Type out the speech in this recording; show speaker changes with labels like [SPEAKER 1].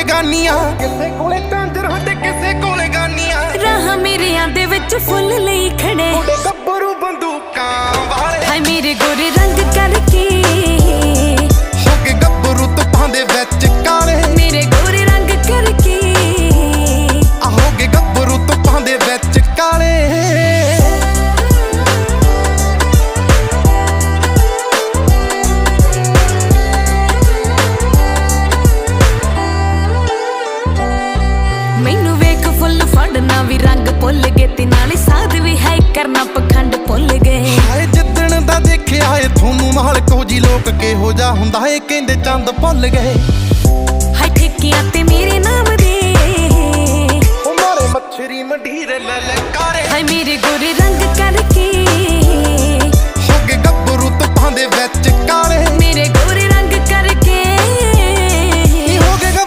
[SPEAKER 1] ਬੇਗਾਨੀਆਂ, ਕਿਸੇ ਕੋਲੇ ਝਾਂਜਰਾਂ ਤੇ ਕਿਸੇ ਕੋਲੇ ਗਾਨੀਆਂ।
[SPEAKER 2] ਰਾਹਾਂ ਮੇਰਿਆਂ ਦੇ ਵਿੱਚ ਫੁੱਲ ਲਈ ਖੜੇ
[SPEAKER 1] ਮੁੰਡੇ ਗੱਭਰੂ ਬੰਦੂਕਾਂ ਵਾਲੇ,
[SPEAKER 2] ਹਾਏ ਮੇਰੇ ਗੋਰੇ ਰੰਗ ਕਰਕੇ
[SPEAKER 1] ਹੋ ਕੇ ਗੱਭਰੂ ਧੁੱਪਾਂ ਦੇ ਵਿੱਚ ਕਾਲੇ।
[SPEAKER 2] ਮੇਰੇ ਗੋਰੇ ਰੰਗ ਕਰਕੇ
[SPEAKER 1] ਹੋ ਕੇ ਗੱਭਰੂ ਧੁੱਪਾਂ ਦੇ ਵਿੱਚ ਕਾਲੇ।
[SPEAKER 2] ਮੈਨੂੰ ਵੇਖ ਫੁੱਲ ਫੜਨਾ ਵੀ ਰੰਗ ਭੁੱਲ ਗਏ ਤੇ ਨਾਲੇ ਸਾਧ ਵੀ ਹੈ ਕਰਨਾ ਪਖੰਡ ਭੁੱਲ ਗਏ।
[SPEAKER 1] ਹਾਏ ਜਿੱਦਣ ਦਾ ਦੇਖਿਆ ਏ ਤੁਹਾਨੂੰ ਮਾਲਕੋ ਜੀ ਲੋਕ ਕਿਹੋ ਜਿਹਾ ਹੁੰਦਾ ਏ ਕਹਿੰਦੇ ਚੰਦ ਭੁੱਲ ਗਏ।